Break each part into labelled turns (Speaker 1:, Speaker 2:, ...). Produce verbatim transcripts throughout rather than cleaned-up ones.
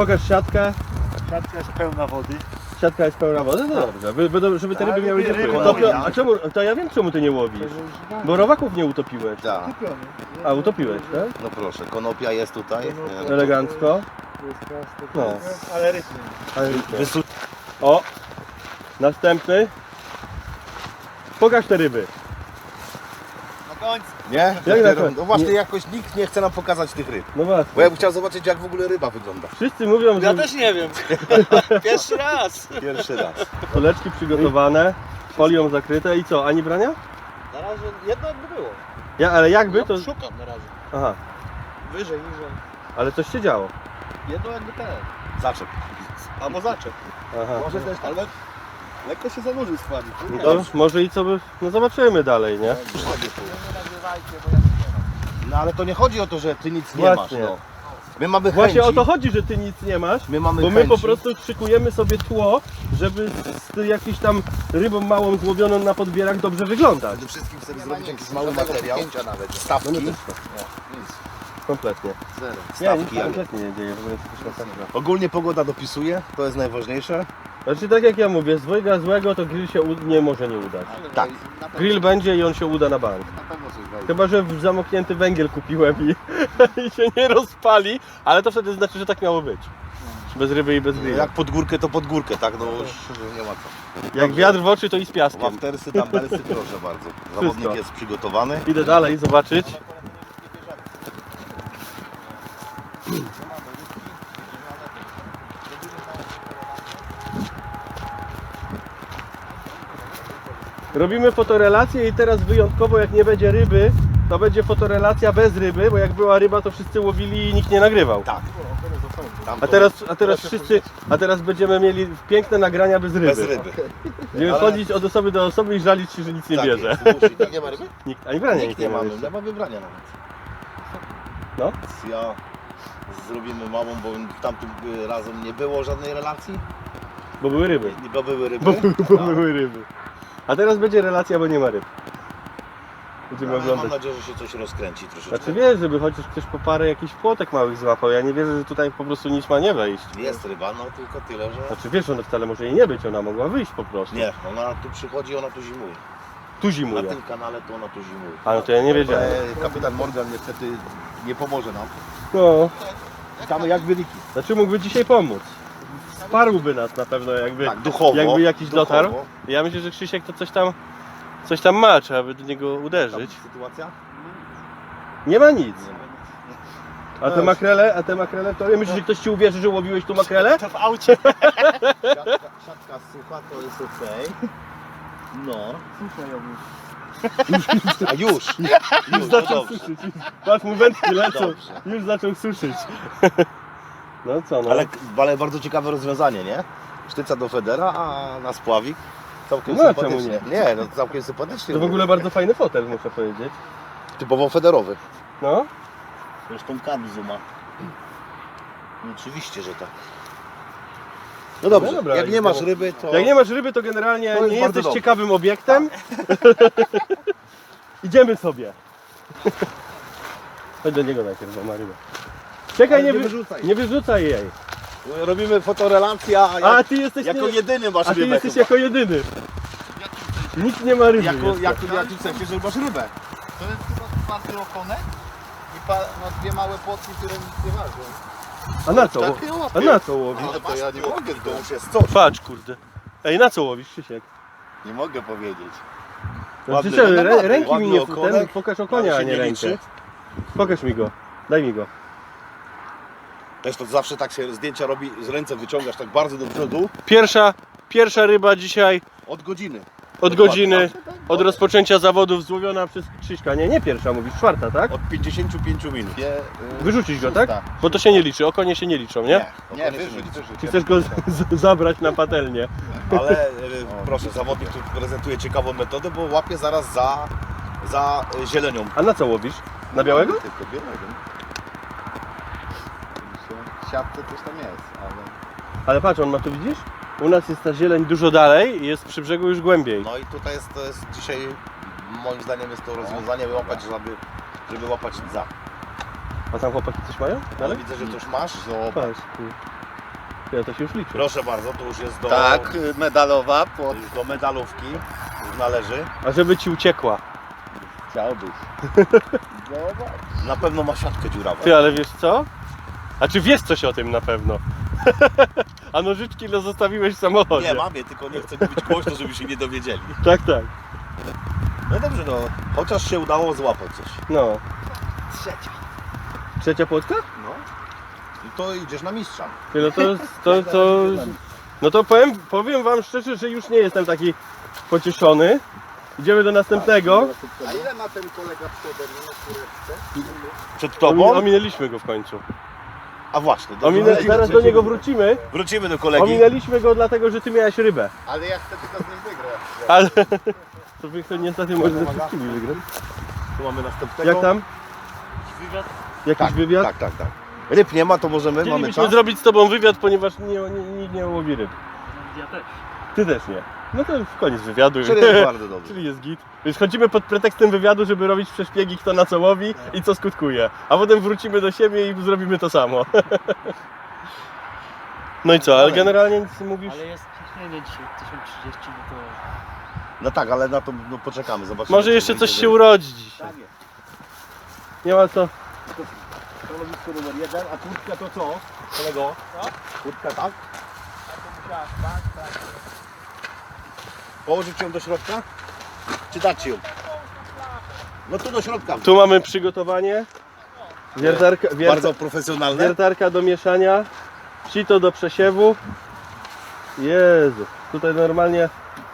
Speaker 1: pokaż siatkę.
Speaker 2: Siatka jest pełna wody.
Speaker 1: Siatka jest pełna wody? No dobrze, by, by, żeby te
Speaker 2: Tak,
Speaker 1: ryby miały gdzie
Speaker 2: ryby
Speaker 1: pływać.
Speaker 2: łowią.
Speaker 1: A czemu, to ja wiem czemu ty nie łowisz. Bo robaków nie utopiłeś.
Speaker 3: Tak.
Speaker 1: A, utopiłeś, tak?
Speaker 3: No proszę, konopia jest tutaj. Nie,
Speaker 1: Elegancko. No.
Speaker 2: Ale rytm.
Speaker 1: Ale
Speaker 3: Wysu...
Speaker 1: O! Następny. Pokaż te ryby.
Speaker 2: Na końcu.
Speaker 3: Nie?
Speaker 1: Jak
Speaker 3: Dopiero-
Speaker 1: na to?
Speaker 3: No właśnie
Speaker 1: Nie.
Speaker 3: jakoś nikt nie chce nam pokazać tych ryb.
Speaker 1: No właśnie.
Speaker 3: Bo ja bym chciał zobaczyć, jak w ogóle ryba wygląda.
Speaker 1: Wszyscy mówią,
Speaker 2: Ja
Speaker 1: że
Speaker 2: też nie wiem. Pierwszy raz.
Speaker 3: Pierwszy raz.
Speaker 1: soleczki przygotowane, folią zakryte i co, ani brania?
Speaker 2: Na razie jedno jakby było.
Speaker 1: Ja, ale jakby to...
Speaker 2: Ja szukam na razie.
Speaker 1: Aha,
Speaker 2: Wyżej, niżej.
Speaker 1: ale coś się działo.
Speaker 2: Jedno jakby ten.
Speaker 3: Zaczep.
Speaker 2: Albo zaczep.
Speaker 1: Aha.
Speaker 2: Może też tak. Ale lekko się zanurzył składnik.
Speaker 1: No to może i co by... No zobaczymy dalej, nie?
Speaker 3: No ale to nie chodzi o to, że ty nic nie
Speaker 1: Właśnie.
Speaker 3: masz. No. My mamy
Speaker 1: Właśnie
Speaker 3: chęci.
Speaker 1: o to chodzi, że ty nic nie masz,
Speaker 3: My mamy
Speaker 1: bo my po
Speaker 3: chęci.
Speaker 1: prostu szykujemy sobie tło, żeby z z jakiejś tam rybą małą złowioną na podbierach dobrze wyglądać.
Speaker 3: Przede wszystkim chcemy zrobić jakiś mały materiał. Nawet. Stawki.
Speaker 1: No my też to. Kompletnie.
Speaker 3: Zero.
Speaker 1: Nie, nic
Speaker 3: Stawki.
Speaker 1: się
Speaker 3: jak-
Speaker 1: kompletnie nie dzieje, w ogóle jest jakaś masakra.
Speaker 3: Ogólnie pogoda dopisuje, to jest najważniejsze.
Speaker 1: Znaczy tak jak ja mówię, z dwojga złego to grill się u- nie może nie udać.
Speaker 3: Tak.
Speaker 1: Grill będzie i on się uda na bank.
Speaker 2: Na pewno coś wejdzie.
Speaker 1: Chyba, że w zamknięty węgiel kupiłem i, i się nie rozpali, ale to wtedy znaczy, że tak miało być. Bez ryby i bez grilla.
Speaker 3: Jak pod górkę, to pod górkę, tak? No już nie ma co.
Speaker 1: Jak wiatr w oczy, to i z piaskiem.
Speaker 3: Waftersy, dumbbellsy, proszę bardzo. Zawodnik
Speaker 1: Wszystko.
Speaker 3: jest przygotowany.
Speaker 1: Idę dalej zobaczyć. Robimy fotorelację i teraz wyjątkowo jak nie będzie ryby, to będzie fotorelacja bez ryby, bo jak była ryba, to wszyscy łowili i nikt nie nagrywał.
Speaker 3: Tak. Tam
Speaker 1: A
Speaker 3: to
Speaker 1: teraz, a teraz wszyscy, a teraz będziemy mieli piękne nagrania bez ryby.
Speaker 3: bez ryby.
Speaker 1: Będziemy
Speaker 3: Ale-
Speaker 1: chodzić od osoby do osoby i żalić się, że nic nie
Speaker 3: Tak
Speaker 1: bierze.
Speaker 3: jest, musi, tak. Nie ma ryby?
Speaker 1: Nikt, ani brania
Speaker 3: Nikt
Speaker 1: nikt
Speaker 3: nie
Speaker 1: nie ma
Speaker 3: mamy,
Speaker 1: jeszcze.
Speaker 3: nie ma wybrania nawet.
Speaker 1: No.
Speaker 3: Ja zrobimy małą, bo tamtym razem nie było żadnej relacji.
Speaker 1: Bo były ryby.
Speaker 3: Nie bo były ryby.
Speaker 1: Bo, bo
Speaker 3: Tak.
Speaker 1: były ryby. A teraz będzie relacja, bo nie ma ryb. Będziemy
Speaker 3: Ale mam
Speaker 1: oglądać.
Speaker 3: nadzieję, że się coś rozkręci troszeczkę.
Speaker 1: Znaczy wiesz, żeby chociaż ktoś po parę jakichś płotek małych złapał. Ja nie wierzę, że tutaj po prostu nic ma nie wejść.
Speaker 3: Jest ryba, no tylko tyle, że...
Speaker 1: Znaczy wiesz, ona wcale może jej nie być, ona mogła wyjść po prostu.
Speaker 3: Nie, ona tu przychodzi, ona tu zimuje.
Speaker 1: Tu
Speaker 3: Na
Speaker 1: zimuje.
Speaker 3: tym kanale to ona tu zimuje.
Speaker 1: A no to ja nie wiedziałem.
Speaker 3: Ale kapitan Morgan niestety nie pomoże nam.
Speaker 1: No,
Speaker 3: Witamy jak wyniki.
Speaker 1: znaczy mógłby dzisiaj pomóc. Wsparłby nas na pewno, jakby,
Speaker 3: Tak, duchowo.
Speaker 1: jakby jakiś
Speaker 3: duchowo.
Speaker 1: dotarł. Ja myślę, że Krzysiek to coś tam, coś tam ma, trzeba by do niego
Speaker 3: Tam
Speaker 1: uderzyć.
Speaker 3: sytuacja?
Speaker 1: Nie ma nic.
Speaker 3: Nie ma.
Speaker 1: A te makrele, a te makrele, to myślisz, że ktoś ci uwierzy, że łowiłeś tu makrele?
Speaker 2: To w aucie.
Speaker 3: Siatka, siatka sucha to jest okej. No. A już! Już,
Speaker 1: Już
Speaker 3: no
Speaker 1: zaczął
Speaker 3: dobrze.
Speaker 1: suszyć. Patrz mu wędki lecą.
Speaker 3: Dobrze.
Speaker 1: Już zaczął suszyć. No co no.
Speaker 3: Ale, ale bardzo ciekawe rozwiązanie, nie? Sztyca do federa, a na spławik całkiem
Speaker 1: No, a
Speaker 3: sympatycznie.
Speaker 1: czemu
Speaker 3: Nie, no całkiem sympatycznie.
Speaker 1: To w ogóle bardzo fajny fotel, muszę powiedzieć.
Speaker 3: Typowo federowy.
Speaker 1: No.
Speaker 3: Zresztą Kamzu ma. No, oczywiście, że tak. No dobrze,
Speaker 1: No dobra,
Speaker 3: jak
Speaker 1: jak
Speaker 3: nie masz
Speaker 1: było-
Speaker 3: ryby, to...
Speaker 1: Jak nie masz ryby, to generalnie
Speaker 3: To jest
Speaker 1: nie
Speaker 3: bardzo
Speaker 1: jesteś
Speaker 3: dobrze.
Speaker 1: ciekawym obiektem. Idziemy sobie. Chodź do niego najpierw, bo ma rybę. Czekaj,
Speaker 3: Ale
Speaker 1: nie,
Speaker 3: nie
Speaker 1: wy...
Speaker 3: wyrzucaj.
Speaker 1: nie wyrzucaj jej.
Speaker 3: Robimy fotorelację, a, jak,
Speaker 1: A ty jesteś,
Speaker 3: jako
Speaker 1: nie...
Speaker 3: jedyny masz
Speaker 1: A ty
Speaker 3: rybę
Speaker 1: jesteś
Speaker 3: chyba.
Speaker 1: jako jedyny. Nikt nie ma ryby.
Speaker 3: Jako,
Speaker 1: jeszcze.
Speaker 3: jako, jaki w sensie, że masz rybę.
Speaker 2: To jest chyba czwarty okonek i pa, no, dwie małe płotki, które nic nie ważą.
Speaker 1: A na co?
Speaker 3: Takie
Speaker 1: A
Speaker 3: łapie.
Speaker 1: na co łowisz?
Speaker 3: Ale to ja nie mogę, to już jest coś.
Speaker 1: Patrz kurde. Ej, na co łowisz, Krzysiek?
Speaker 3: Nie mogę powiedzieć.
Speaker 1: No,
Speaker 3: Ładny,
Speaker 1: przecież
Speaker 3: no,
Speaker 1: rę,
Speaker 3: ładny,
Speaker 1: ręki mi
Speaker 3: ładny
Speaker 1: nie
Speaker 3: okonek,
Speaker 1: ten, pokaż okonia, a
Speaker 3: się
Speaker 1: nie
Speaker 3: nie
Speaker 1: rękę.
Speaker 3: liczy.
Speaker 1: Pokaż mi go. Daj mi go.
Speaker 3: Wiesz, to zawsze tak się zdjęcia robi, z ręce wyciągasz tak bardzo do przodu.
Speaker 1: Pierwsza, pierwsza ryba dzisiaj
Speaker 3: Od godziny.
Speaker 1: od godziny, od rozpoczęcia zawodów złowiona przez Krzyśka. Nie, nie pierwsza, mówisz czwarta, tak?
Speaker 3: Od pięćdziesięciu pięciu minut. Nie,
Speaker 1: Wyrzucić go, tak? Bo to się nie liczy, okonie się nie liczą, nie?
Speaker 3: Nie, wyrzuć, wyrzuć.
Speaker 1: Czy chcesz go z- z- zabrać na patelnię?
Speaker 3: Ale e, proszę, zawodnik tu prezentuje ciekawą metodę, bo łapie zaraz za, za e, zielenią.
Speaker 1: A na co łowisz? Na białego?
Speaker 3: Tylko białego.
Speaker 2: W siatce coś tam jest, ale...
Speaker 1: Ale patrz, on ma tu, widzisz? U nas jest ta zieleń dużo dalej i jest przy brzegu już głębiej.
Speaker 3: No i tutaj jest, to jest dzisiaj, moim zdaniem jest to rozwiązanie, by łapać, żeby, żeby łapać dza.
Speaker 1: A tam chłopaki coś mają?
Speaker 3: Ale
Speaker 1: Dalej?
Speaker 3: widzę, że to już masz.
Speaker 1: Patrz, tu. Ja to się już liczy.
Speaker 3: Proszę bardzo, to już jest do,
Speaker 2: Tak, medalowa
Speaker 3: to
Speaker 2: pod...
Speaker 3: już do medalówki. Już należy.
Speaker 1: A żeby ci uciekła.
Speaker 2: Chciałbyś. Zobacz.
Speaker 3: Na pewno ma siatkę dziurawą.
Speaker 1: Ty, ale wiesz co? A czy wiesz coś o tym na pewno? A nożyczki no zostawiłeś w samochodzie.
Speaker 3: Nie, mamie, tylko nie chcę mówić głośno, żeby się nie dowiedzieli.
Speaker 1: Tak, tak.
Speaker 3: No dobrze, no. Chociaż się udało złapać coś.
Speaker 1: No.
Speaker 2: Trzecia.
Speaker 1: Trzecia płotka?
Speaker 3: No. I to idziesz na mistrza.
Speaker 1: Ty, no to, to, to, no to powiem, powiem wam szczerze, że już nie jestem taki pocieszony. Idziemy do następnego.
Speaker 2: A ile ma ten kolega przede mną na kureczce?
Speaker 3: Przed
Speaker 1: Omi-
Speaker 3: tobą?
Speaker 1: Ominęliśmy go w końcu.
Speaker 3: A właśnie. dobrze.
Speaker 1: Ominę, zaraz do niego wrócimy.
Speaker 3: Wrócimy do kolegi.
Speaker 1: Ominęliśmy go dlatego, że ty miałeś rybę.
Speaker 2: Ale ja chcę tylko z nim wygrać.
Speaker 1: Ale to wy to niestety może ze wszystkimi wygrać.
Speaker 3: Tu mamy następnego.
Speaker 1: Jak tam? Jakiś
Speaker 3: Tak,
Speaker 1: wywiad?
Speaker 3: tak, tak, tak. Ryb nie ma, to możemy, mamy
Speaker 1: Chcielibyśmy
Speaker 3: czas.
Speaker 1: zrobić z tobą wywiad, ponieważ nie, nie, nikt nie łowi ryb.
Speaker 4: Ja też.
Speaker 1: Ty też nie. No to w koniec wywiadu.
Speaker 3: Czyli jest bardzo dobrze.
Speaker 1: Czyli jest git. Więc chodzimy pod pretekstem wywiadu, żeby robić przeszpiegi, kto na co łowi i co skutkuje. A potem wrócimy do siebie i zrobimy to samo. No i co, ale generalnie nic nie mówisz?
Speaker 4: Ale jest ciśnienie dzisiaj tysiąc trzydzieści, no to...
Speaker 3: No tak, ale na to no, poczekamy, zobaczymy.
Speaker 1: Może
Speaker 3: co
Speaker 1: jeszcze
Speaker 3: będzie.
Speaker 1: coś się urodzi dzisiaj.
Speaker 3: Tak jest.
Speaker 1: Nie ma co.
Speaker 3: Stanowisko numer jeden, a kurtka to co? Kolego? Kurtka tak? Położyć ją do środka? Czy dać ją? No tu do środka.
Speaker 1: Tu mamy przygotowanie. Wiertarka, wier...
Speaker 3: Bardzo profesjonalne.
Speaker 1: wiertarka do mieszania. Sito do przesiewu. Jezu, tutaj normalnie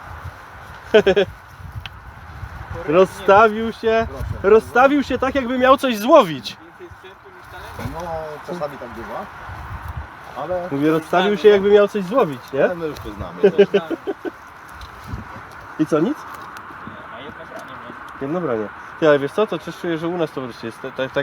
Speaker 1: rozstawił się. Rozstawił się tak, jakby miał coś złowić.
Speaker 3: No, czasami tam bywa. Ale,
Speaker 1: Mówię, rozstawił się, jakby miał coś złowić, nie?
Speaker 3: ale my już to znamy.
Speaker 1: I co, nic?
Speaker 4: A jedno branie mnie.
Speaker 1: Jedno branie. Ty, ale wiesz co, to też czuję, że u nas to wreszcie jest tak, tak, tak.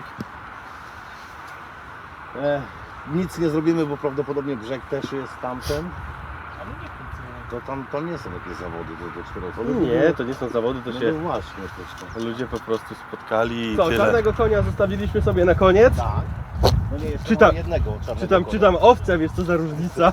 Speaker 3: E, nic nie zrobimy, bo prawdopodobnie brzeg też jest tamten.
Speaker 4: Ale nie funkcjonuje.
Speaker 3: To tam, tam nie są jakieś zawody do, do czterech.
Speaker 1: Nie, to nie są zawody, to
Speaker 3: No
Speaker 1: się
Speaker 3: no właśnie, też to.
Speaker 1: ludzie po prostu spotkali i
Speaker 3: No,
Speaker 1: co,
Speaker 3: tyle.
Speaker 1: czarnego konia zostawiliśmy sobie na koniec.
Speaker 3: Tak. No nie, jeszcze
Speaker 1: Czytam-
Speaker 3: mamy jednego czarnego
Speaker 1: Czytam,
Speaker 3: konia.
Speaker 1: czytam owce, wiesz co za różnica.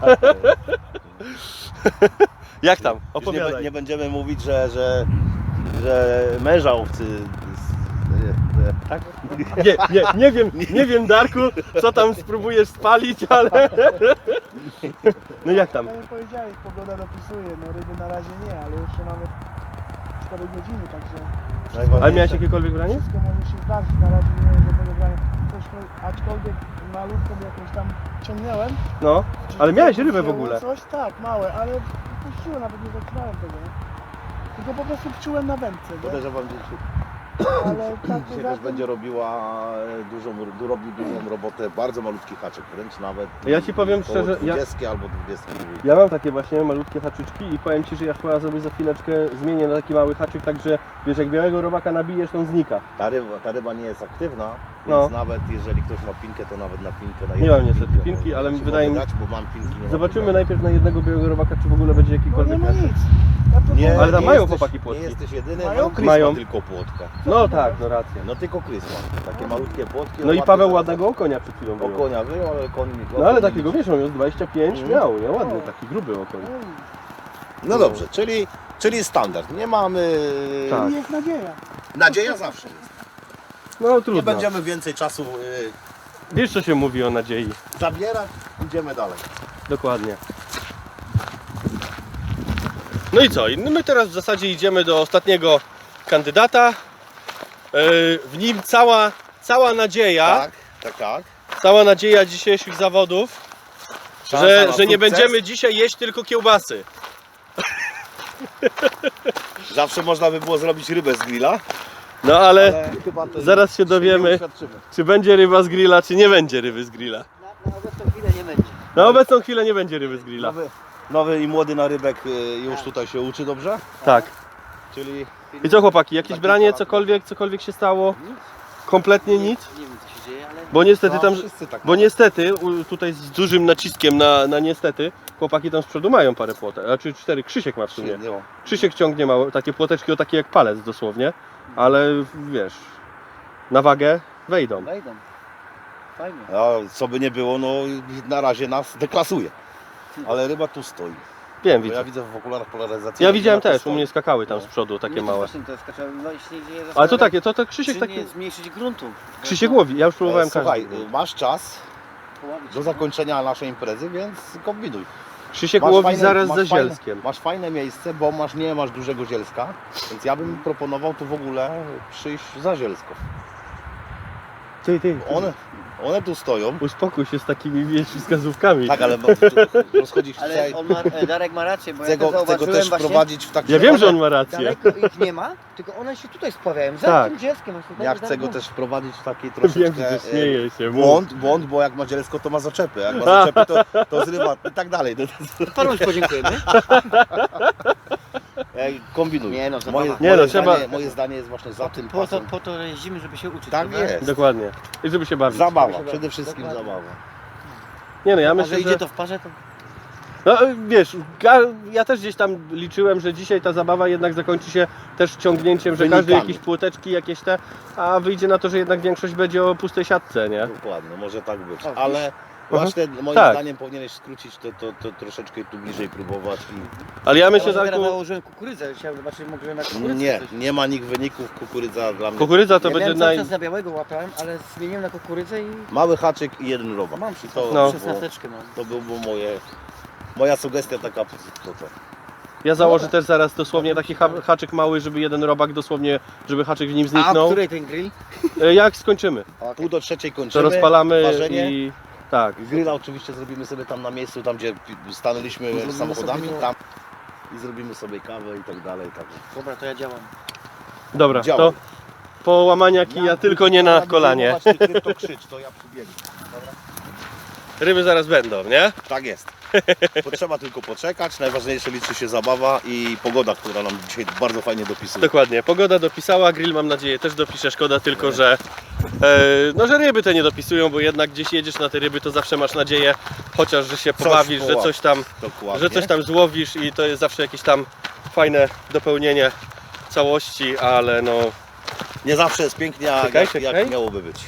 Speaker 1: Jak tam?
Speaker 3: Już nie,
Speaker 1: Opowiadaj.
Speaker 3: be- nie będziemy mówić, że, że, że męża owcy. Tak?
Speaker 1: Nie, nie, nie wiem, nie wiem Darku, co tam spróbujesz spalić, ale... No jak tam?
Speaker 5: Tak jak powiedziałeś, pogoda dopisuje, no ryby na razie nie, ale jeszcze mamy cztery godziny, także
Speaker 1: Ale miałeś jakiekolwiek branie?
Speaker 5: wszystko może się zdarzyć, na razie nie mam żadnego brania. Coś, aczkolwiek malutką jakąś tam ciągnąłem.
Speaker 1: No, ale miałeś rybę w ogóle.
Speaker 5: Coś tak, małe, ale puściłem, nawet nie zaczynałem tego, nie? Tylko po prostu wczułem na wędce, nie?
Speaker 3: Podejrzewam, że dzisiaj
Speaker 5: Ale tak
Speaker 3: dzisiaj
Speaker 5: poza
Speaker 3: też
Speaker 5: tym,
Speaker 3: będzie robiła e, dużą, du- robi dużą robotę, bardzo malutki haczyk, wręcz nawet.
Speaker 1: Ja ci powiem
Speaker 3: koło
Speaker 1: szczerze, ja-
Speaker 3: dwudziestki albo dwudziestki drugiej.
Speaker 1: Ja mam takie właśnie malutkie haczyczki i powiem ci, że ja chyba sobie za chwileczkę zmienię na taki mały haczyk, także wiesz, jak białego robaka nabijesz, to on znika.
Speaker 3: Ta ryba, ta ryba nie jest aktywna,
Speaker 1: No.
Speaker 3: więc nawet jeżeli ktoś ma pinkę, to nawet na pinkę na
Speaker 1: Nie
Speaker 3: jedną
Speaker 1: mam niestety
Speaker 3: pinkę
Speaker 1: pinki,
Speaker 3: może
Speaker 1: ale
Speaker 3: się
Speaker 1: wydaje mi-
Speaker 3: mogę dać, bo mam pinki, nie
Speaker 1: Zobaczymy
Speaker 3: mam
Speaker 1: najpierw na jednego białego robaka, czy w ogóle będzie
Speaker 5: no nie
Speaker 1: jakikolwiek
Speaker 5: ma
Speaker 1: haczyk.
Speaker 5: nic. Ja proponuję-
Speaker 3: Nie,
Speaker 1: Ale tam
Speaker 3: nie
Speaker 1: mają
Speaker 3: jesteś-
Speaker 1: chłopaki płotki.
Speaker 3: Nie jesteś jedyny,
Speaker 5: Mają?
Speaker 3: mają Chris
Speaker 1: Mają.
Speaker 3: ma tylko płotkę.
Speaker 1: No tak, no rację.
Speaker 3: No tylko Chris ma, takie malutkie płotki.
Speaker 1: No i
Speaker 3: ładne
Speaker 1: Paweł
Speaker 3: zaraz-
Speaker 1: ładnego okonia przed chwilą
Speaker 3: O
Speaker 1: wyjął.
Speaker 3: konia wyjął, ale koń mi
Speaker 1: No ale takiego wiesz, on jest dwadzieścia pięć
Speaker 3: Mhm.
Speaker 1: miał, nie? Ładny, taki gruby okoń.
Speaker 3: No dobrze, czyli, czyli standard. Nie mamy...
Speaker 1: Tak.
Speaker 5: I jest nadzieja.
Speaker 3: Nadzieja zawsze jest.
Speaker 1: No
Speaker 3: Nie
Speaker 1: trudno.
Speaker 3: będziemy więcej czasu y,
Speaker 1: Wiesz co się mówi o nadziei.
Speaker 3: zabierać, idziemy dalej.
Speaker 1: Dokładnie. No i co? I my teraz w zasadzie idziemy do ostatniego kandydata. Yy, W nim cała, cała nadzieja,
Speaker 3: Tak, tak, tak.
Speaker 1: cała nadzieja dzisiejszych zawodów,
Speaker 3: Szansa
Speaker 1: że,
Speaker 3: na
Speaker 1: że nie
Speaker 3: sukces.
Speaker 1: będziemy dzisiaj jeść tylko kiełbasy.
Speaker 3: Zawsze można by było zrobić rybę z grilla,
Speaker 1: No ale
Speaker 3: ale chyba to
Speaker 1: zaraz się
Speaker 3: nie
Speaker 1: dowiemy,
Speaker 3: uświadczymy.
Speaker 1: czy będzie ryba z grilla, czy nie będzie ryby z grilla.
Speaker 4: Na, na obecną chwilę nie będzie.
Speaker 1: Na obecną chwilę nie będzie ryby z grilla.
Speaker 3: Nowy, nowy i młody narybek y, już tutaj się uczy dobrze,
Speaker 1: Tak.
Speaker 3: czyli
Speaker 1: I co chłopaki, jakieś
Speaker 3: Taki
Speaker 1: branie,
Speaker 3: temat.
Speaker 1: cokolwiek, cokolwiek się stało? Kompletnie nic?
Speaker 4: Nie wiem co się dzieje, ale...
Speaker 1: Bo niestety
Speaker 3: no,
Speaker 1: tam,
Speaker 3: wszyscy tak
Speaker 1: bo niestety, u- tutaj z dużym naciskiem na, na niestety, chłopaki tam z przodu mają parę płotek, znaczy cztery, Krzysiek ma w sumie.
Speaker 3: no.
Speaker 1: Krzysiek ciągnie małe, takie płoteczki o takie jak palec dosłownie, ale wiesz, na wagę wejdą.
Speaker 4: Wejdą. Fajnie.
Speaker 3: A co by nie było, no na razie nas deklasuje. ale ryba tu stoi.
Speaker 1: Wiem,
Speaker 3: Bo
Speaker 1: widzę.
Speaker 3: ja widzę w okularach polaryzacyjnych.
Speaker 1: Ja widziałem
Speaker 3: ryba tu
Speaker 1: też, u
Speaker 3: stoi.
Speaker 1: mnie skakały tam
Speaker 3: No.
Speaker 1: z przodu takie
Speaker 4: Nie, to
Speaker 1: małe.
Speaker 4: Właśnie to skacze, no i się nie dzieje
Speaker 1: Ale to
Speaker 4: zastanawiam,
Speaker 1: takie, to, to Krzysiek
Speaker 4: czy
Speaker 1: taki...
Speaker 4: nie zmniejszyć gruntu.
Speaker 1: Krzysiek łowi, ja już próbowałem
Speaker 3: E, Słuchaj,
Speaker 1: każdy.
Speaker 3: masz czas
Speaker 4: Połowić.
Speaker 3: do zakończenia naszej imprezy, więc kombinuj.
Speaker 1: Krzysiek
Speaker 3: Masz
Speaker 1: łowi
Speaker 3: fajne-
Speaker 1: zaraz
Speaker 3: masz
Speaker 1: za
Speaker 3: fajne-
Speaker 1: zielskiem.
Speaker 3: Masz fajne miejsce, bo masz, nie masz dużego zielska, więc ja bym proponował tu w ogóle przyjść za zielsko.
Speaker 1: Ty, ty,
Speaker 3: One, one tu stoją.
Speaker 1: Uspokój się z takimi wiesz, wskazówkami.
Speaker 3: Tak, ale bo- tu rozchodzić
Speaker 4: Ale
Speaker 3: tutaj.
Speaker 4: on ma, e, Darek ma rację, bo
Speaker 3: Chcę
Speaker 4: ja to
Speaker 3: go, chcę go
Speaker 4: zauważyłem
Speaker 3: też
Speaker 4: właśnie.
Speaker 3: wprowadzić w taki
Speaker 1: Ja wiem, że on ma rację.
Speaker 4: Daleko ich nie ma, tylko one się tutaj spławiają. Za
Speaker 1: Tak.
Speaker 4: tym dzieckiem. właśnie
Speaker 3: Ja
Speaker 4: tak,
Speaker 3: chcę go
Speaker 4: tak,
Speaker 3: też wprowadzić w taki
Speaker 1: Wiem,
Speaker 3: troszeczkę
Speaker 1: że
Speaker 3: e,
Speaker 1: śmieje się. mów.
Speaker 3: błąd, błąd, bo jak ma zielsko, to ma zaczepy. Jak ma zaczepy, to, to zrywa i tak dalej. To, to,
Speaker 4: Panu już podziękujemy.
Speaker 3: e, kombinuj.
Speaker 4: Nie no, zabawa.
Speaker 3: moje,
Speaker 1: Nie
Speaker 3: moje,
Speaker 1: no, trzeba-
Speaker 3: zdanie, moje zdanie jest właśnie za tym
Speaker 4: Po to,
Speaker 3: pasem.
Speaker 4: po to jeździmy, żeby się uczyć.
Speaker 3: Tak
Speaker 4: prawda?
Speaker 3: jest.
Speaker 1: Dokładnie. I żeby się bawić.
Speaker 3: Zabawa,
Speaker 4: Proszę
Speaker 3: przede
Speaker 4: bardzo.
Speaker 3: wszystkim
Speaker 4: Dokładnie.
Speaker 3: zabawa.
Speaker 1: Nie no, ja
Speaker 4: A
Speaker 1: myślę,
Speaker 4: że idzie
Speaker 1: że...
Speaker 4: to w parze, to
Speaker 1: No wiesz, ga- ja też gdzieś tam liczyłem, że dzisiaj ta zabawa jednak zakończy się też ciągnięciem, że każdy
Speaker 3: Wynikami.
Speaker 1: jakieś płoteczki jakieś te, a wyjdzie na to, że jednak większość będzie o pustej siatce, nie?
Speaker 3: Dokładnie, może tak być.
Speaker 4: O,
Speaker 3: Ale właśnie moim
Speaker 1: Tak.
Speaker 3: zdaniem powinieneś skrócić to, to, to troszeczkę tu bliżej próbować. I...
Speaker 1: Ale ja
Speaker 4: ja
Speaker 1: myślę,
Speaker 4: teraz
Speaker 1: Darku,
Speaker 4: nałożyłem kukurydzę, chciałem zobaczyć może na kukurydzę
Speaker 3: Nie,
Speaker 4: coś.
Speaker 3: nie ma nikt wyników, kukurydza dla mnie.
Speaker 1: kukurydza to
Speaker 4: ja
Speaker 1: będzie
Speaker 4: miałem
Speaker 1: naj...
Speaker 4: cały czas na białego łapałem, ale zmieniłem na kukurydzę i
Speaker 3: Mały haczyk i jeden robak.
Speaker 4: mam
Speaker 3: I to,
Speaker 1: No.
Speaker 4: szesnasteczkę mam.
Speaker 3: to byłby moje, moja sugestia taka. To, to.
Speaker 1: Ja założę też zaraz dosłownie taki ha haczyk mały, żeby jeden robak dosłownie, żeby haczyk w nim
Speaker 4: A o
Speaker 1: zniknął.
Speaker 4: której ten grill?
Speaker 1: E, Jak skończymy,
Speaker 3: Pół do trzeciej
Speaker 1: to
Speaker 3: kończymy.
Speaker 1: rozpalamy
Speaker 3: ważenie.
Speaker 1: i... Tak.
Speaker 3: Grilla oczywiście zrobimy sobie tam na miejscu, tam gdzie stanęliśmy
Speaker 4: Zrobimy
Speaker 3: samochodami,
Speaker 4: sobie to.
Speaker 3: tam i zrobimy sobie kawę i tak dalej. Tak.
Speaker 4: Dobra, to ja działam.
Speaker 1: Dobra,
Speaker 3: Działa.
Speaker 1: to po łamania kija, tylko nie na kolanie.
Speaker 3: To krzycz, to ja przybiegnę.
Speaker 1: Ryby zaraz będą, nie?
Speaker 3: Tak jest. Potrzeba tylko poczekać. Najważniejsze liczy się zabawa i pogoda, która nam dzisiaj bardzo fajnie dopisuje.
Speaker 1: Dokładnie, pogoda dopisała, grill mam nadzieję też dopisze, szkoda tylko, że e, no, że ryby te nie dopisują, bo jednak gdzieś jedziesz na te ryby, to zawsze masz nadzieję, chociaż, że się
Speaker 3: Coś
Speaker 1: pobawisz, że
Speaker 3: połapiesz.
Speaker 1: coś tam,
Speaker 3: Dokładnie.
Speaker 1: że coś tam złowisz i to jest zawsze jakieś tam fajne dopełnienie całości, ale no,
Speaker 3: Nie zawsze jest pięknie, jak,
Speaker 1: Czekaj,
Speaker 3: jak,
Speaker 1: czekaj.
Speaker 3: jak miałoby być.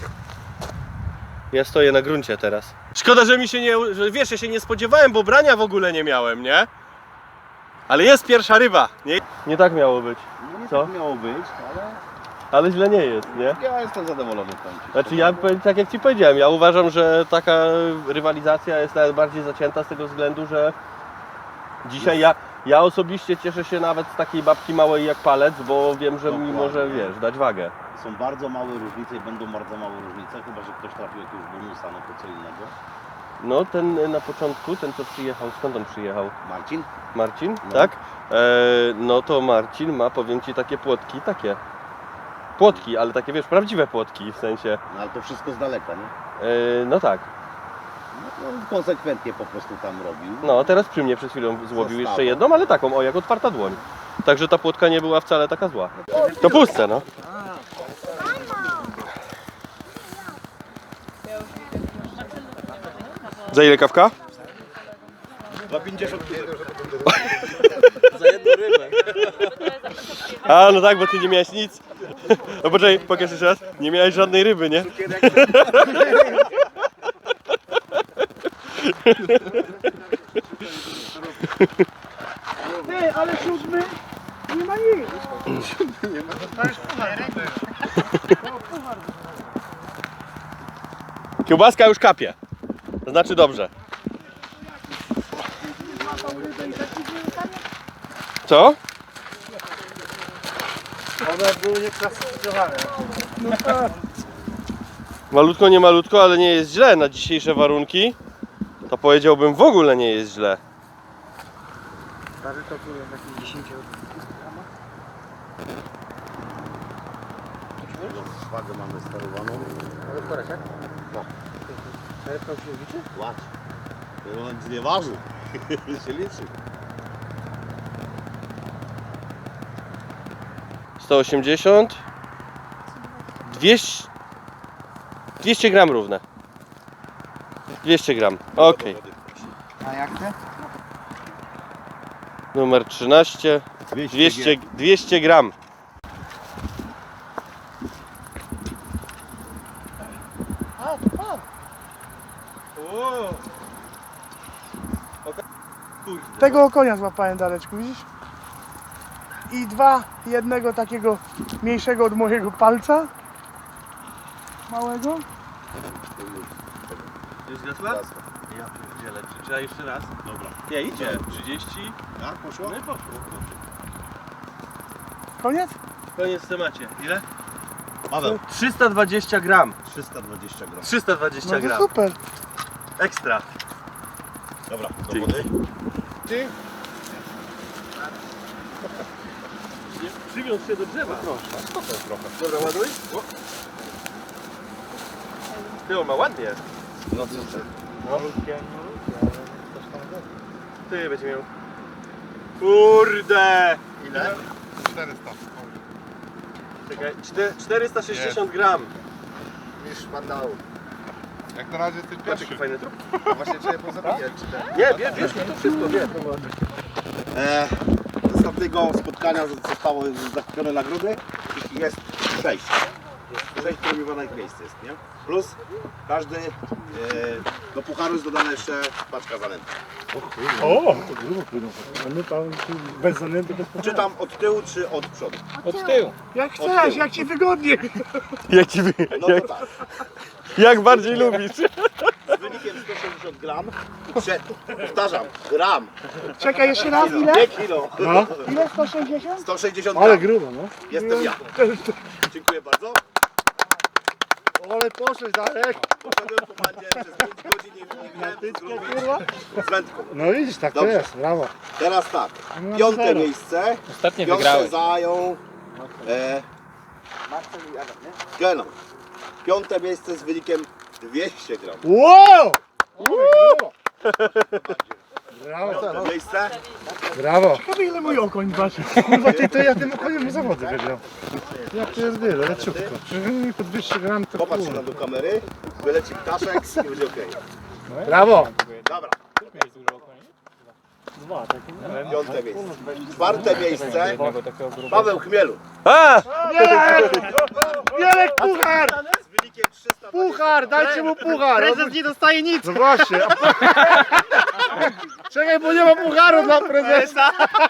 Speaker 1: ja stoję na gruncie teraz. Szkoda, że mi się nie, że wiesz, ja się nie spodziewałem, bo brania w ogóle nie miałem, nie? Ale jest pierwsza ryba, nie? Nie tak miało być,
Speaker 3: No nie
Speaker 1: Co?
Speaker 3: tak miało być, ale
Speaker 1: ale źle nie jest, nie?
Speaker 3: ja jestem zadowolony tam.
Speaker 1: Znaczy ja powiem tak jak Ci powiedziałem, ja uważam, że taka rywalizacja jest nawet bardziej zacięta z tego względu, że dzisiaj ja, ja osobiście cieszę się nawet z takiej babki małej jak palec, bo wiem, że mi
Speaker 3: Dokładnie.
Speaker 1: może, wiesz, dać wagę.
Speaker 3: Są bardzo małe różnice i będą bardzo małe różnice, chyba że ktoś trafił jakiegoś bonusa, no to co innego.
Speaker 1: No ten na początku, ten co przyjechał, skąd on przyjechał?
Speaker 3: Marcin?
Speaker 1: Marcin,
Speaker 3: No.
Speaker 1: tak? E, no to Marcin ma, powiem Ci, takie płotki, takie. Płotki, ale takie wiesz, prawdziwe płotki w sensie.
Speaker 3: No ale to wszystko z daleka, nie?
Speaker 1: E, no tak.
Speaker 3: No, no, konsekwentnie po prostu tam robił.
Speaker 1: No, teraz przy mnie przed chwilą złowił
Speaker 3: Zostało.
Speaker 1: jeszcze jedną, ale taką, o, jak otwarta dłoń. Także ta płotka nie była wcale taka zła. To puste, no. Za ile kawka?
Speaker 3: Za pięćdziesiąt
Speaker 4: Za jedną rybę.
Speaker 1: A, no tak, bo ty nie miałeś nic. No poczekaj, pokaż jeszcze raz. Nie miałeś żadnej ryby, nie?
Speaker 5: Ty, ale siódmy nie ma nic.
Speaker 1: Kiełbaska już kapie. To znaczy dobrze. Co?
Speaker 5: One były nieklasyfikowane.
Speaker 1: Malutko, nie malutko, ale nie jest źle na dzisiejsze warunki. To powiedziałbym w ogóle nie jest źle.
Speaker 4: Stary to było jakieś dziesięć.
Speaker 3: Wagę mamy sterowaną.
Speaker 4: Ale korek, tak?
Speaker 3: No.
Speaker 4: Ale to się liczy?
Speaker 3: Płacz. To nic nie waży. się liczy.
Speaker 1: sto osiemdziesiąt. dwieście. dwieście gram równe. dwieście gram. Okej.
Speaker 2: A jak te?
Speaker 1: Numer trzynaście. dwieście, dwieście gram.
Speaker 5: A, to pan.
Speaker 1: O.
Speaker 5: Tego konia złapałem, Dareczku, widzisz? I dwa, jednego takiego mniejszego od mojego palca. Małego.
Speaker 1: Już zgasła? Ja pierdzielę, czy trzeba jeszcze raz?
Speaker 3: Dobra.
Speaker 1: Nie, idzie. trzydzieści.
Speaker 3: Tak, poszło?
Speaker 1: No i poszło.
Speaker 5: Koniec?
Speaker 1: Koniec w temacie. Ile?
Speaker 3: Paweł.
Speaker 1: trzysta dwadzieścia gram.
Speaker 3: trzysta dwadzieścia gram.
Speaker 1: trzysta dwadzieścia
Speaker 5: No to
Speaker 1: gram.
Speaker 5: super.
Speaker 1: Ekstra.
Speaker 3: Dobra, do
Speaker 1: Dzięki.
Speaker 3: wody.
Speaker 2: Ty?
Speaker 1: Przywiąż się do drzewa.
Speaker 3: Proszę, to jest trochę.
Speaker 1: Dobra, ładuj. Ty, on ma ładnie.
Speaker 3: No co ty?
Speaker 2: Malutkie, malutkie, ale coś tam będzie.
Speaker 1: Ty będzie miał. Kurde!
Speaker 2: Ile? czterysta.
Speaker 1: Czekaj, czte- czterysta sześćdziesiąt gram.
Speaker 2: Niż mandału.
Speaker 6: Jak na razie ty
Speaker 1: Patrz
Speaker 6: pierwszy.
Speaker 1: jaki fajny trup.
Speaker 2: Właśnie czy je pozabijać, czy ten?
Speaker 1: Nie, wiesz, wiesz, to wszystko, wie.
Speaker 3: E, z ostatniego spotkania zostało zakupione nagrody. Ich jest sześć. Sześć premiowanych miejsc jest, nie? Plus każdy e, do pucharu jest dodana jeszcze paczka zanęty.
Speaker 6: O, to grubo płyną. A my tam bez zanęty, bez
Speaker 3: Czy tam od tyłu, czy od przodu?
Speaker 6: Od tyłu.
Speaker 5: Jak chcesz, jak ci wygodnie.
Speaker 1: Jak ci wy...
Speaker 3: No to tak.
Speaker 1: Jak bardziej lubisz.
Speaker 3: Z wynikiem sto sześćdziesiąt gram. Prze, powtarzam, gram.
Speaker 5: Czekaj, jeszcze raz, ile?
Speaker 3: Nie kilo.
Speaker 6: No,
Speaker 5: Ile? sto sześćdziesiąt?
Speaker 3: sto sześćdziesiąt
Speaker 6: ale
Speaker 3: gram.
Speaker 6: grubo, no.
Speaker 3: Jestem ja. Dziękuję bardzo.
Speaker 6: Ale poszłeś daleko.
Speaker 3: Poszedłem po bandzie przez pięć godzin, nie, nie miałem co zrobić z wędką.
Speaker 6: No widzisz, tak to
Speaker 3: Dobrze.
Speaker 6: jest, brawo.
Speaker 3: Teraz tak,
Speaker 6: No,
Speaker 3: piąte
Speaker 6: zero.
Speaker 3: miejsce.
Speaker 4: Ostatnio
Speaker 3: Piąte
Speaker 4: wygrałeś.
Speaker 3: zajął e, Genon. Piąte miejsce z wynikiem dwieście gram.
Speaker 6: Wow! Ale grubo. Brawo,
Speaker 3: Piąte miejsce.
Speaker 6: brawo.
Speaker 5: Ciekawe ile mój okoń waży.
Speaker 6: Kurwa, ty to ja tym okoniem zawody wygrał. Jak to jest wiele, leciutko. Przecież mi po dwieście gram to
Speaker 3: Popatrz
Speaker 6: kurwa.
Speaker 3: na do kamery, wyleci ptaszek i będzie okej.
Speaker 6: Brawo.
Speaker 3: Dobra,
Speaker 6: Dwa, tak.
Speaker 3: piąte miejsce. Czwarte miejsce, Paweł Chmielu.
Speaker 1: A!
Speaker 6: Wielek puchar!
Speaker 3: Z wynikiem trzysta
Speaker 6: Puchar, dajcie mu puchar!
Speaker 4: Prezes nie dostaje nic.
Speaker 6: No właśnie. Czekaj, bo nie ma pucharu dla prezesa.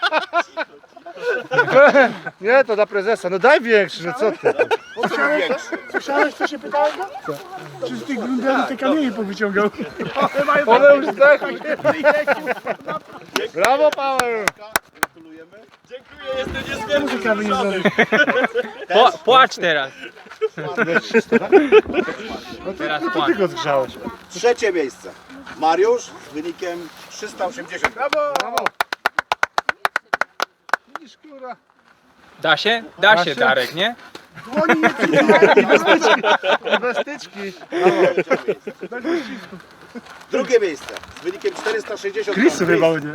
Speaker 6: Nie, to dla prezesa. No daj większy, no co ty?
Speaker 5: Słyszałeś, co się pytałem go? Czy z tych grundeli te kamienie powyciągał?
Speaker 6: One już zdechły. Brawo, Paweł!
Speaker 3: Gratulujemy.
Speaker 1: Dziękuję, jestem niezmiernie
Speaker 5: Kawy nie
Speaker 1: wzruszony.
Speaker 4: Po, płacz teraz.
Speaker 6: No to,
Speaker 4: Teraz
Speaker 6: no to
Speaker 4: płacz.
Speaker 6: ty go zgrzałeś.
Speaker 3: Trzecie miejsce, Mariusz z wynikiem trzysta osiemdziesiąt.
Speaker 6: Brawo! Widzisz, kurwa.
Speaker 4: Da się? Da
Speaker 6: Da
Speaker 4: się,
Speaker 6: się?
Speaker 4: Darek, nie?
Speaker 5: Dłoni nie przyjmuje.
Speaker 6: Bez styczki.
Speaker 3: Drugie miejsce z wynikiem czterysta sześćdziesiąt.
Speaker 6: Chrisu chyba nie.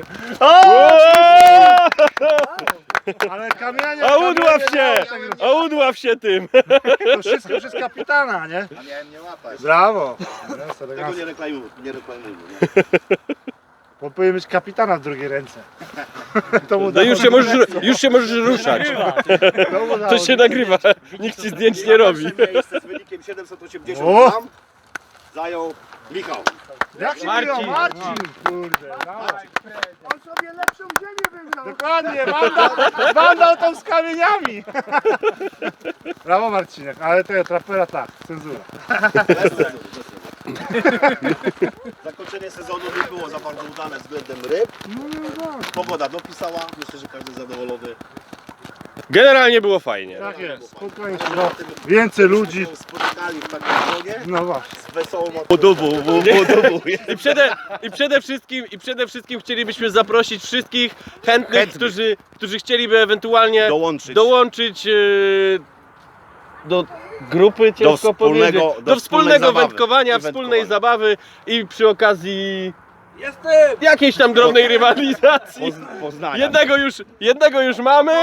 Speaker 6: Ale kamienie.
Speaker 1: A udław
Speaker 6: kamienie
Speaker 1: się!
Speaker 6: miało
Speaker 1: A udław się tym!
Speaker 6: To wszystko przez kapitana, nie?
Speaker 3: A miałem nie łapać.
Speaker 6: Brawo.
Speaker 3: Tego nie reklamujmy, nie reklamujmy.
Speaker 6: Bo powinien mieć kapitana w drugiej ręce. To mu
Speaker 1: No
Speaker 6: dało-
Speaker 1: już się możesz, już się możesz ruszać.
Speaker 6: to mu dało-
Speaker 1: To się nagrywa. Nikt ci zdjęć nie robi.
Speaker 3: Pierwsze miejsce z wynikiem siedemset osiemdziesiąt
Speaker 6: O!
Speaker 3: gram zajął Michał.
Speaker 6: Jak się
Speaker 4: Marcin.
Speaker 6: Marcin. Marcin, kurde. Brawo.
Speaker 5: On sobie lepszą ziemię wybrał.
Speaker 6: Dokładnie, mandał, mandał tam z kamieniami. Brawo Marcinek, ale tego trapera tak, cenzura.
Speaker 3: Bez cenzury, bez cenzury. Zakończenie sezonu nie było za bardzo udane względem ryb. Pogoda dopisała, myślę, że każdy zadowolony.
Speaker 1: Generalnie było fajnie.
Speaker 6: Tak jest, spokojnie się, no, więcej ludzi.
Speaker 3: Się spotykali w takim gronie
Speaker 6: No właśnie.
Speaker 3: z wesołą
Speaker 1: Podobu, podobu. I przede, i, przede wszystkim, I przede wszystkim chcielibyśmy zaprosić wszystkich chętnych,
Speaker 3: Chętnych.
Speaker 1: Którzy, którzy chcieliby ewentualnie
Speaker 3: dołączyć.
Speaker 1: dołączyć e, do grupy, ciężko
Speaker 3: wspólnego-
Speaker 1: powiedzieć,
Speaker 3: do
Speaker 1: do, wspólnego
Speaker 3: wspólnej zabawy
Speaker 1: wędkowania,
Speaker 3: i
Speaker 1: wspólnej
Speaker 3: wędkowania.
Speaker 1: zabawy i przy okazji jakiejś tam drobnej rywalizacji.
Speaker 3: Pozn- Poznania.
Speaker 1: Jednego już, jednego już mamy,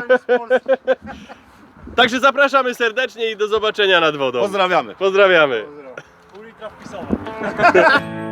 Speaker 1: także zapraszamy serdecznie i do zobaczenia nad wodą.
Speaker 3: Pozdrawiamy.
Speaker 1: Pozdrawiamy.
Speaker 6: Ulika wpisowa.